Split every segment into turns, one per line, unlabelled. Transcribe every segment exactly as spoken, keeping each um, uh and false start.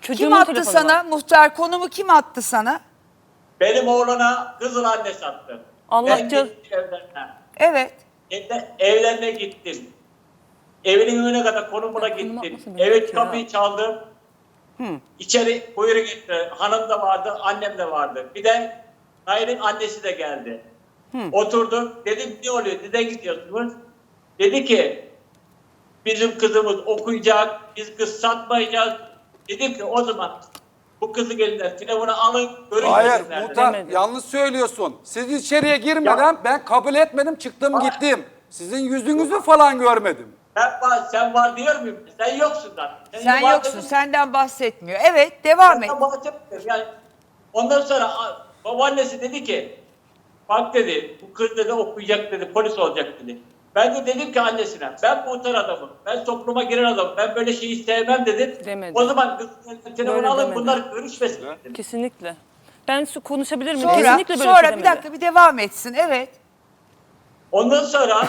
Çocuğumun
Kim attı
telefonu
sana?
var.
Muhtar konumu kim attı sana?
Benim oğlana kızıl anne sattı.
Allah
Ben
can-
gittim evlerine.
Evet.
Evde, evlerine gittim. Evinin önüne kadar konumuna
Ya, konum
gittim.
atmasın beni
Evet
ya.
kapıyı çaldım. İçeri buyurun gitti. Hanım da vardı, annem de vardı. Bir de Nail'in annesi de geldi. Oturduk. Dedim ne oluyor? Neden gidiyorsunuz? Dedi ki bizim kızımız okuyacak, biz kız satmayacağız. Dedim ki o zaman bu kızı elinden telefonu alın,
Hayır
görüşmesinler.
muhtar
Demedi.
yanlış söylüyorsun. Siz içeriye girmeden
Ya-
ben kabul etmedim çıktım
Hayır.
gittim. Sizin yüzünüzü falan görmedim.
Sen var, sen var diyor muyum? Sen yoksun zaten.
Sen
var
yoksun.
dedim,
Senden bahsetmiyor. Evet, devam et.
senden bahsetmiyorum. Yani ondan sonra a- babaannesi dedi ki bak dedi bu kız dedi okuyacak dedi polis olacak dedi. Ben de dedim ki annesine ben muhtar adamım. Ben topluma giren adamım. Ben böyle şeyi sevmem dedim.
Demedi.
O zaman kız telefonu
Böyle
alın
demedi.
bunlar görüşmesin dedim.
Kesinlikle. Ben su konuşabilir miyim?
Sonra,
Kesinlikle böyle
sonra
bir şey
bir
demedi.
dakika bir devam etsin. Evet.
Ondan sonra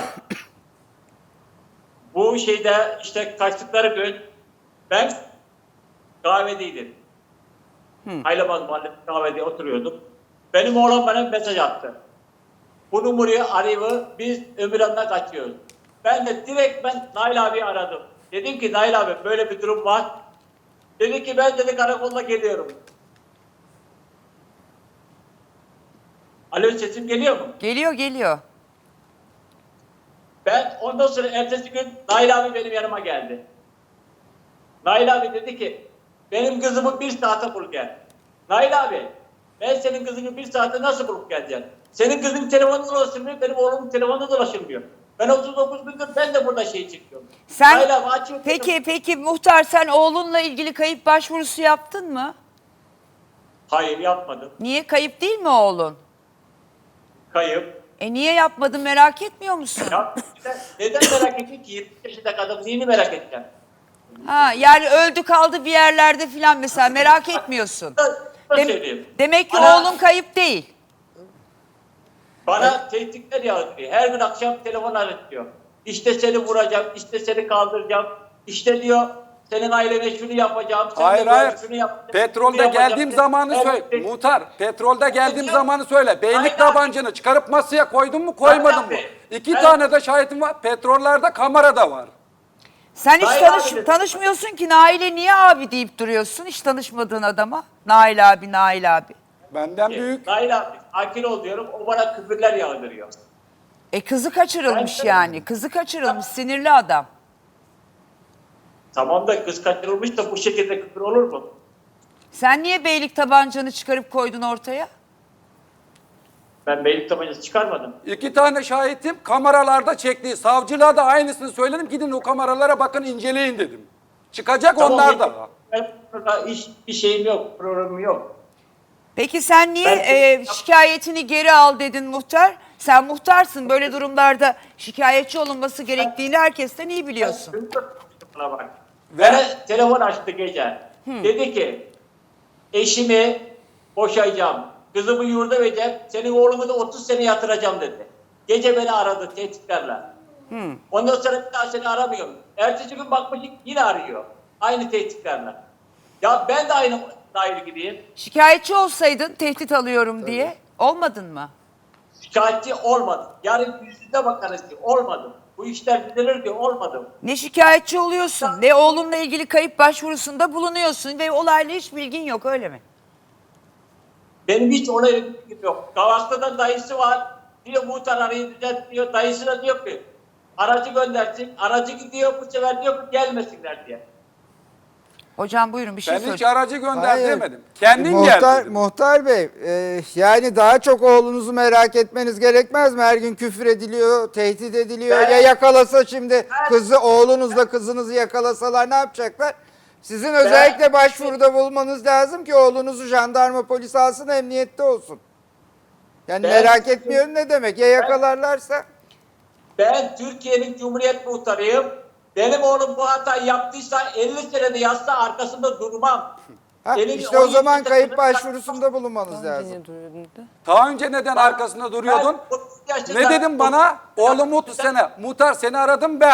bu şeyde işte kaçtıkları gün ben kahvedeydim. Haylamaz Mahallesi kahvede oturuyordum. Benim oğlan bana mesaj attı. Bu numarayı arayıp biz Ömürhan'dan kaçıyoruz. Ben de direkt ben Nail abi aradım. Dedim ki Nail abi böyle bir durum var. Dedi ki ben dedi karakolla geliyorum. Alo sesim geliyor mu?
Geliyor geliyor.
Ben ondan sonra ertesi gün Nail abi benim yanıma geldi. Nail abi dedi ki benim kızımı bir saate bul gel. Nail abi ben senin kızını bir saate nasıl bulup geleceğim? Senin kızın telefonunda dolaşılmıyor, benim oğlumun telefonunda dolaşılmıyor. Ben otuz dokuz gündür ben de burada şey çekiyorum.
Sen
Nail abi açıyor.
peki peki muhtar sen oğlunla ilgili kayıp başvurusu yaptın mı?
Hayır yapmadım.
Niye kayıp değil mi oğlun?
Kayıp.
E niye yapmadın merak etmiyor musun?
Ya, neden merak ettin ki? yirmi yaşında kadın neyini merak edeceğim?
Ha yani öldü kaldı bir yerlerde filan mesela merak etmiyorsun.
Da, da
Dem-
söyleyeyim.
demek ki
Bana-
oğlun kayıp değil.
Bana tehditler yağdırıyor. Her gün akşam telefon aratıyor. İşte seni vuracağım, işte seni kaldıracağım. İşte diyor senin ailene şunu yapacağım. Sen
Hayır
de
hayır.
şunu yap,
Petrolde
şunu yapacağım.
geldiğim zamanı
Her
söyle.
gün-
Muhtar petrolde geldiğim
Hocam-
zamanı söyle. Beylik
Hayır,
tabancını çıkarıp masaya koydun mu koymadın mı?
abi,
İki
ben-
tane de şahitim var. Petrollerde kamera da var.
Sen hiç
Nail
tanış,
abi de-
tanışmıyorsun ki Nail'e niye abi deyip duruyorsun hiç tanışmadığın adama. Nail abi, Nail abi.
Benden büyük.
Nail abi sakin ol diyorum. O bana küfürler yağdırıyor.
E kızı kaçırılmış
Ben-
yani. Kızı kaçırılmış sinirli adam.
Tamam da kız kaçırılmış da bu şekilde küfür olur mu?
Sen niye beylik tabancanı çıkarıp koydun ortaya?
Ben beylik tabancası çıkarmadım.
İki tane şahitim kameralarda çektiği. Savcılığa da aynısını söyledim. Gidin o kameralara bakın inceleyin dedim. Çıkacak
Tamam,
onlar
benim-
da.
Ben burada hiç bir şeyim yok, programım yok.
Peki sen niye
Ben-
e, şikayetini geri al dedin muhtar? Sen muhtarsın böyle durumlarda şikayetçi olunması gerektiğini herkesten iyi biliyorsun.
Buna bak.
Ve-
Bana telefon açtı gece. Dedi ki eşimi boşayacağım. Kızımı yurda vereceğim. Senin oğlumu da otuz sene yatıracağım dedi. Gece beni aradı tehditlerle. Ondan sonra bir daha seni aramıyorum. Ertesi gün bakmışım yine arıyor. Aynı tehditlerle. Ya ben de aynı dair gibiyim.
Şikayetçi olsaydın tehdit alıyorum diye olmadın mı?
Şikayetçi olmadım. Yarın yüzüne bakarız ki olmadım. Bu işler düzelir ki olmadım.
Ne şikayetçi oluyorsun ne oğlunla ilgili kayıp başvurusunda bulunuyorsun ve olayla hiç bilgin yok öyle mi?
Benim hiç olayla bilgim yok. Kavaklı'da dayısı var. Diyor muhtar arayı düzelt diyor. Dayısına diyor ki aracı göndersin. Aracı gidiyor bu sefer diyor ki gelmesinler diye.
Hocam buyurun bir şey
Ben hiç
söyle.
aracı gönder
Hayır.
demedim. Kendin
muhtar,
gel dedim.
Muhtar Bey, e, yani daha çok oğlunuzu merak etmeniz gerekmez mi? Her gün küfür ediliyor, tehdit ediliyor.
Ben-
ya yakalasa şimdi
Ben-
kızı, oğlunuzla kızınızı yakalasalar ne yapacaklar? Sizin özellikle başvuruda bulmanız lazım ki oğlunuzu jandarma polis alsın, emniyette olsun. Yani
Ben-
merak etmiyorum ne demek? Ya yakalarlarsa?
Ben Türkiye'nin Cumhuriyet muhtarıyım. Benim oğlum bu hatayı yaptıysa elli senede yazsa arkasında durmam.
Ha,
Benim
işte o
on yedi
zaman
yaşında
kayıp
kızım-
başvurusunda bulunmanız lazım.
Niye duruyordun dedi?
Daha önce neden arkasında duruyordun?
Ben otuz yaşında-
Ne dedim bana? Oğlum otuz sene. Muhtar seni aradım ben.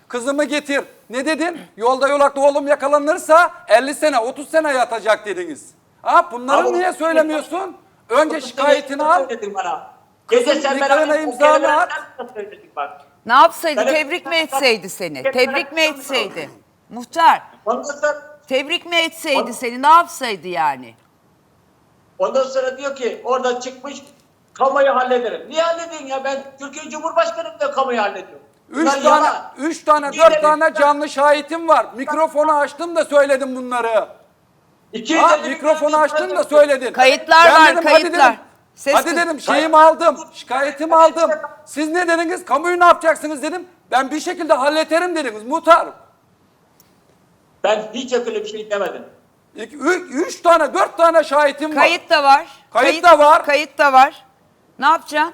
Kızımı getir. Ne dedin? Yolda yolakta oğlum yakalanırsa elli sene otuz sene yatacak dediniz. Ha, bunları
Ama-
niye söylemiyorsun? Önce şikayetini al.
Söyledin bana. Gece
Kızım,
sen
nikahına
bana
imzanı at.
söyledin bak.
Ne yapsaydı?
Ben-
Tebrik mi etseydi seni? Tebrik mi etseydi? Muhtar,
Ondan sonra,
tebrik mi etseydi seni? Ne yapsaydı yani?
ondan sonra diyor ki orada çıkmış kamuyu hallederim. Niye halledin ya? Ben Türkiye Cumhurbaşkanım da kamuyu hallediyorum.
Üç
Bunlar
tane,
yalan.
üç tane,
İki
dört
elli-
tane canlı şahitim var. Mikrofonu açtım da söyledim bunları.
iki yüz
Ha,
elli
mikrofonu
milyon
açtın da
insan-
söyledin.
Kayıtlar
Ben
var,
dedim,
kayıtlar.
Hadi dedim,
Ses
hadi
kız-
dedim şeyimi aldım, şikayetimi aldım. Siz ne dediniz? Kamuyu ne yapacaksınız dedim. Ben bir şekilde hallederim dediniz muhtar.
Ben hiç öyle bir şey demedim.
İki, üç, üç tane, dört tane şahitim var.
Kayıt da var.
Kayıt da var.
Kayıt da var. Ne yapacaksın?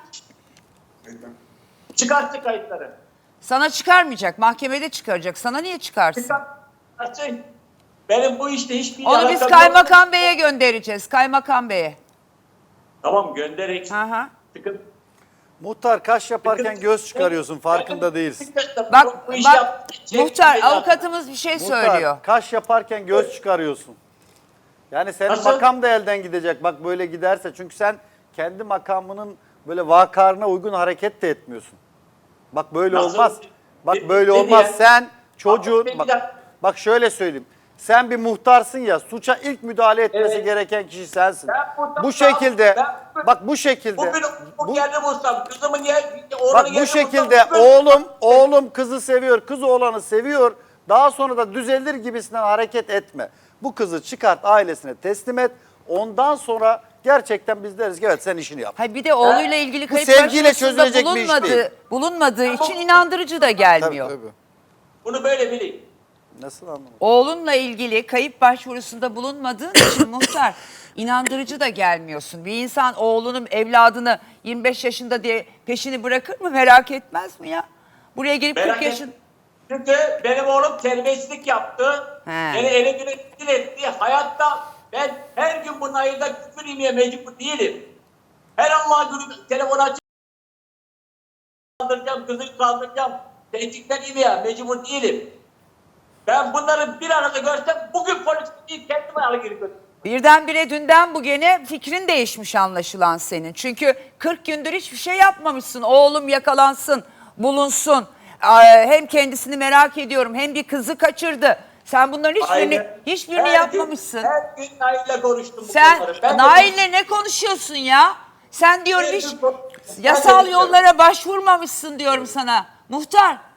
Çıkarttı kayıtları.
Sana çıkarmayacak. Mahkemede çıkaracak. Sana niye çıkarsın?
Çıkarttı. Benim bu işte hiçbir
Onu biz
alakam yok.
kaymakam beye göndereceğiz. Kaymakam beye.
Tamam gönderek.
Hı hı.
Sıkıntı.
Muhtar kaş yaparken
Sıkıntı-
göz çıkarıyorsun, farkında
Benim-
değilsin.
Bak,
Bu işi
bak
yap- şey-
muhtar
şey-
avukatımız bir şey söylüyor.
Muhtar kaş yaparken göz çıkarıyorsun. Yani senin
Nasıl?
makam da elden gidecek bak böyle giderse. Çünkü sen kendi makamının böyle vakarına uygun hareket de etmiyorsun. Bak böyle
Nasıl?
olmaz. Bak
Ne-
böyle
ne
olmaz.
diye?
Sen çocuğun
Abi,
bak,
bir dakika.
bak şöyle söyleyeyim. Sen bir muhtarsın ya, suça ilk müdahale etmesi
Evet.
gereken kişi sensin.
Ben muhtar-
Bu şekilde
Ben-
bak bu şekilde
Bugün
bu-
bu yerde bulsam kızımı niye oğlanı
Bak bu
yerde
şekilde
bulsam, bugün-
oğlum oğlum kızı seviyor, kız oğlanı seviyor. Daha sonra da düzelir gibisinden hareket etme. Bu kızı çıkart ailesine teslim et. Ondan sonra gerçekten biz deriz ki evet sen işini yap.
Hayır bir de oğluyla ilgili
Bu
kayıt
sevgiyle
başvurusunda
çözülecek bir iş
bulunmadığı,
değil.
bulunmadığı için inandırıcı da gelmiyor.
Bunu böyle bilin.
Nasıl anlamadım?
Oğlunla ilgili kayıp başvurusunda bulunmadığın için muhtar inandırıcı da gelmiyorsun. Bir insan oğlunun evladını yirmi beş yaşında diye peşini bırakır mı? Merak etmez mi ya? Buraya gelip
Merak
kırk
et-
yaşın...
Çünkü benim oğlum terbiyesizlik yaptı.
He.
Beni ele güne rezil etti. Hayatta ben her gün bunun ayında küfür yemeye mecbur değilim. Her Allah günü telefon açıp kaldıracağım, kızını kaldıracağım. Tehditler yemeye mecbur değilim. Ben bunları bir arada görsem bugün polis değil kendime alıp geri götürürüm.
Birdenbire dünden bugüne fikrin değişmiş anlaşılan senin. Çünkü kırk gündür hiçbir şey yapmamışsın. Oğlum yakalansın, bulunsun. Aa, Hem kendisini merak ediyorum hem bir kızı kaçırdı. Sen bunların hiçbirini,
Aynen.
hiçbirini
Her
yapmamışsın.
Gün, her gün Nail'le konuştum bu
Sen
konuları. Ben de-
Nail'le ne konuşuyorsun ya? Sen diyorum
Her
hiç
gün bu-
yasal
Ben de-
yollara başvurmamışsın diyorum sana. Muhtar